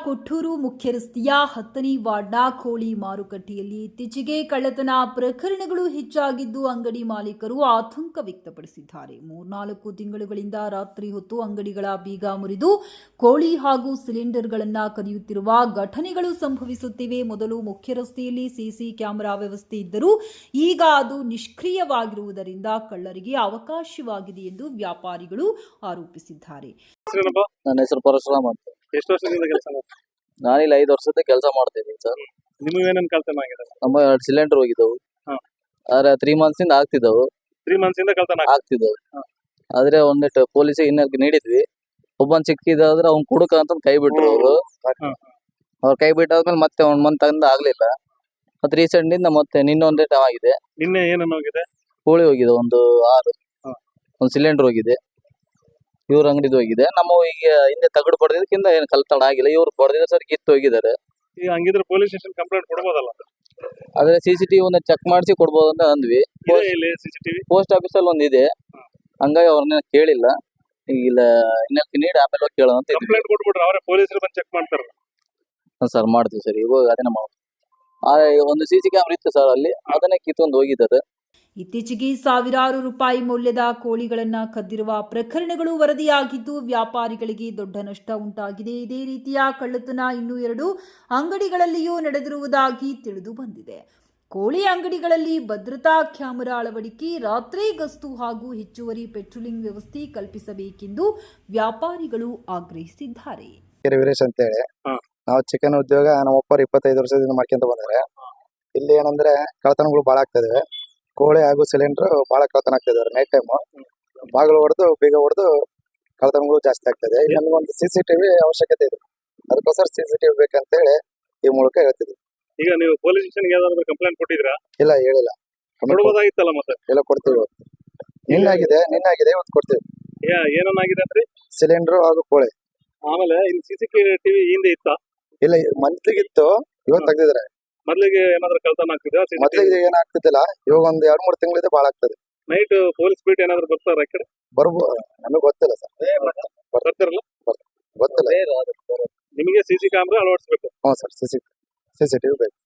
ಕೊಟ್ಟೂರು ಮುಖ್ಯ ರಸ್ತೆಯ 10ನೇ ವಾರ್ಡ್ನ ಕೋಳಿ ಮಾರುಕಟ್ಟೆಯಲ್ಲಿ ಇತ್ತೀಚೆಗೆ ಕಳ್ಳತನ ಪ್ರಕರಣಗಳು ಹೆಚ್ಚಾಗಿದ್ದು ಅಂಗಡಿ ಮಾಲೀಕರು ಆತಂಕ ವ್ಯಕ್ತಪಡಿಸಿದ್ದಾರೆ. 3-4 ತಿಂಗಳುಗಳಿಂದ ರಾತ್ರಿ ಹೊತ್ತು ಅಂಗಡಿಗಳ ಬೀಗ ಮುರಿದು ಕೋಳಿ ಹಾಗೂ ಸಿಲಿಂಡರ್ಗಳನ್ನು ಕದಿಯುತ್ತಿರುವ ಘಟನೆಗಳು ಸಂಭವಿಸುತ್ತಿವೆ. ಮೊದಲು ಮುಖ್ಯ ರಸ್ತೆಯಲ್ಲಿ ಸಿಸಿ ಕ್ಯಾಮೆರಾ ವ್ಯವಸ್ಥೆ ಇದ್ದರೂ ಈಗ ಅದು ನಿಷ್ಕ್ರಿಯವಾಗಿರುವುದರಿಂದ ಕಳ್ಳರಿಗೆ ಅವಕಾಶವಾಗಿದೆ ಎಂದು ವ್ಯಾಪಾರಿಗಳು ಆರೋಪಿಸಿದ್ದಾರೆ. ನನ್ನ ಹೆಸರು ಪರಶುರಾಮ್ ಅಂತ. ಎಷ್ಟು ವರ್ಷದಿಂದ ಕೆಲಸ ಮಾಡ್ತೀರಾ? ನಾನಿಲ್ಲಿ 5 ವರ್ಷದ ಕೆಲಸ ಮಾಡ್ತಿದ್ದೀನಿ ಸರ್. ನಿಮಗೆ ಏನೇನು ಕಳ್ತನ ಆಗಿದೆ? ನಮ್ಮ 2 ಸಿಲಿಂಡರ್ ಹೋಗಿದ್ದವು. ಹಾ. ಆದ್ರೆ 3 months ಇಂದ ಆಗ್ತಿದ್ದವು. 3 months ಇಂದ ಕಳ್ತನ ಆಗ್ತಿದ್ದವು. ಹಾ. ಆದ್ರೆ ಒಂದಿಟ್ಟು ಪೊಲೀಸಿಗೆ ಇನ್ನೊಂದು ನೀಡಿದ್ವಿ. ಒಬ್ಬನ್ ಸಿಕ್ಕಿದಾದ್ರೆ ಅವ್ನ್ ಕುಡುಕ ಅಂತ ಕೈ ಬಿಟ್ರು ಅವರು. ಅವ್ರು ಕೈ ಬಿಟ್ಟಾದ್ಮೇಲೆ ಮತ್ತೆ 1 month ಇಂದ ಆಗ್ಲಿಲ್ಲ. ಮತ್ತೆ ರೀಸೆಂಟ್ ಇಂದ ಮತ್ತೆ ನಿನ್ನೊಂದ್ ಡೇಟ್ ಆಗಿದೆ. ನಿನ್ನೆ ಏನೇನು ಹೋಗಿದೆ? ಕೋಳಿ ಹೋಗಿದೆ ಒಂದು 6. ಹಾ. ಒಂದು ಸಿಲಿಂಡರ್ ಹೋಗಿದೆ. ಇವ್ರ ಅಂಗಡಿದು ಹೋಗಿದೆ. ನಮ್ಮ ಈಗ ಹಿಂದೆ ತಗಡು ಪಡೆದಿದ್ದಕ್ಕಿಂತ ಏನು ಕಳ್ತನ ಆಗಿಲ್ಲ. ಇವ್ರು ಪಡೆದಿದ್ದ ಸರ್ ಕಿತ್ತು ಹೋಗಿದ್ದಾರೆ. ಈಗ ಹಂಗಿದ್ರೆ ಪೊಲೀಸ್ ಸ್ಟೇಷನ್ ಕಂಪ್ಲೇಂಟ್ ಕೊಡ್ಬೋದಲ್ಲ? ಆದ್ರೆ CCTV ಒಂದು ಚೆಕ್ ಮಾಡಿಸಿ ಕೊಡ್ಬೋದು ಅಂತ ಅಂದ್ವಿ. ಇಲ್ಲಿ CCTV ಪೋಸ್ಟ್ ಆಫೀಸ್ ಅಲ್ಲಿ ಒಂದಿದೆ. ಹಂಗಾಗಿ ಅವ್ರನ್ನ ಕೇಳಿಲ್ಲ. ಇಲ್ಲ ಇನ್ನೊಂದು ನೀಡಿ ಆಮೇಲೆ ಹೋಗಿ ಕೇಳೋಣ ಅಂತ ಇದ್ವಿ. ಕಂಪ್ಲೇಂಟ್ ಕೊಟ್ಬಿಟ್ರೆ ಅವರೇ ಪೊಲೀಸರು ಬಂದು ಚೆಕ್ ಮಾಡ್ತಾರಲ್ಲ? ಸರ್ ಮಾಡ್ತೀವಿ ಸರ್. ಇವಾಗ ಅದನ್ನ ಮಾಡ್ತೀವಿ. ಒಂದು CC ಕ್ಯಾಮ್ರಾ ಇತ್ತು ಸರ್ ಅಲ್ಲಿ, ಅದನ್ನೇ ಕಿತ್ತೊಂದು ಹೋಗಿದ್ದಾರೆ. ಇತ್ತೀಚೆಗೆ ಸಾವಿರಾರು ರೂಪಾಯಿ ಮೌಲ್ಯದ ಕೋಳಿಗಳನ್ನು ಕದ್ದಿರುವ ಪ್ರಕರಣಗಳು ವರದಿಯಾಗಿದ್ದು ವ್ಯಾಪಾರಿಗಳಿಗೆ ದೊಡ್ಡ ನಷ್ಟ ಉಂಟಾಗಿದೆ. ಇದೇ ರೀತಿಯ ಕಳ್ಳತನ ಇನ್ನೂ 2 ಅಂಗಡಿಗಳಲ್ಲಿಯೂ ನಡೆದಿರುವುದಾಗಿ ತಿಳಿದು ಬಂದಿದೆ. ಕೋಳಿ ಅಂಗಡಿಗಳಲ್ಲಿ ಭದ್ರತಾ ಕ್ಯಾಮೆರಾ ಅಳವಡಿಕೆ, ರಾತ್ರಿ ಗಸ್ತು ಹಾಗೂ ಹೆಚ್ಚುವರಿ ಪೆಟ್ರೋಲಿಂಗ್ ವ್ಯವಸ್ಥೆ ಕಲ್ಪಿಸಬೇಕೆಂದು ವ್ಯಾಪಾರಿಗಳು ಆಗ್ರಹಿಸಿದ್ದಾರೆ. ವೀರೇಶ್ ಅಂತ ಹೇಳಿ ನಾವು ಚಿಕನ್ ಉದ್ಯೋಗ ನಮ್ಮ ಒಪ್ಪರು 25 ವರ್ಷದಿಂದ ಮಾಡ್ಕೊಂತ ಬಂದರೆ ಇಲ್ಲಿ ಏನಂದ್ರೆ ಕಳ್ಳತನಗಳು ಬಹಳ ಆಗ್ತದೆ. ಕೋಳಿ ಹಾಗೂ ಸಿಲಿಂಡರ್ ಬಹಳ ಕಳ್ಳತನ ಆಗ್ತಿದ್ದಾರೆ. ನೈಟ್ ಟೈಮ್ ಬಾಗಿಲು ಹೊಡೆದು ಬೀಗ ಹೊಡೆದು ಕಳ್ಳತನಗಳು ಜಾಸ್ತಿ ಆಗ್ತದೆ. ನಮಗೊಂದು CCTV ಅವಶ್ಯಕತೆ ಇದೆ. ಅದಕ್ಕೋಸ್ಕರ CCTV ಬೇಕಂತ ಹೇಳಿ ಈ ಮೂಲಕ ಹೇಳ್ತಿದ್ವಿ. ಈಗ ನೀವು ಪೊಲೀಸ್ ಸ್ಟೇಷನ್ ಯಾವ್ದಾದ್ರು ಕಂಪ್ಲೇಂಟ್ ಕೊಟ್ಟಿದ್ರಾ? ಇಲ್ಲ ಹೇಳಿಲ್ಲ. ಕೊಡ್ಬೋದಾಗಿತ್ತಲ್ಲ ಮತ್ತೆ? ಎಲ್ಲ ಕೊಡ್ತೀವಿ. ನಿನ್ನಾಗಿದೆ ಇವತ್ತು ಕೊಡ್ತೀವಿ. ಏನಾಗಿದೆ ಅಂದ್ರೆ ಸಿಲಿಂಡರ್ ಹಾಗೂ ಕೋಳಿ. ಆಮೇಲೆ ಇಲ್ಲಿ CCTV ಹಿಂದೆ ಇತ್ತ? ಇಲ್ಲ ಮಂತ್ಲಿಗಿತ್ತು, ಇವತ್ತು ತೆಗ್ದಿದ್ರೆ. ಮೊದ್ಲಿಗೆ ಏನಾದ್ರು ಕಳ್ತನ ಆಗ್ತಿದೆ? ಮೊದ್ಲಿಗೆ ಏನಾಗ್ತಿದ್ದಿಲ್ಲ, ಇವಾಗ ಒಂದ್ 2-3 ತಿಂಗಳಿಂದ ಬಾಳ ಆಗ್ತದೆ. ನೈಟ್ ಪೊಲೀಸ್ ಬೀಟ್ ಏನಾದ್ರು ಬರ್ತಾರ ಆ ಕಡೆ? ಬರ್ಬೋದು, ನಮಗೆ ಗೊತ್ತಿಲ್ಲ ಸರ್. ಬರ್ತಾರಲ್ಲ? ಗೊತ್ತಿಲ್ಲ. ನಿಮಗೆ CC ಕ್ಯಾಮ್ರಾ ಅಳವಡಿಸ್ಬೇಕು? ಹ್ಞೂ ಸರ್, CCTV ಬೇಕು.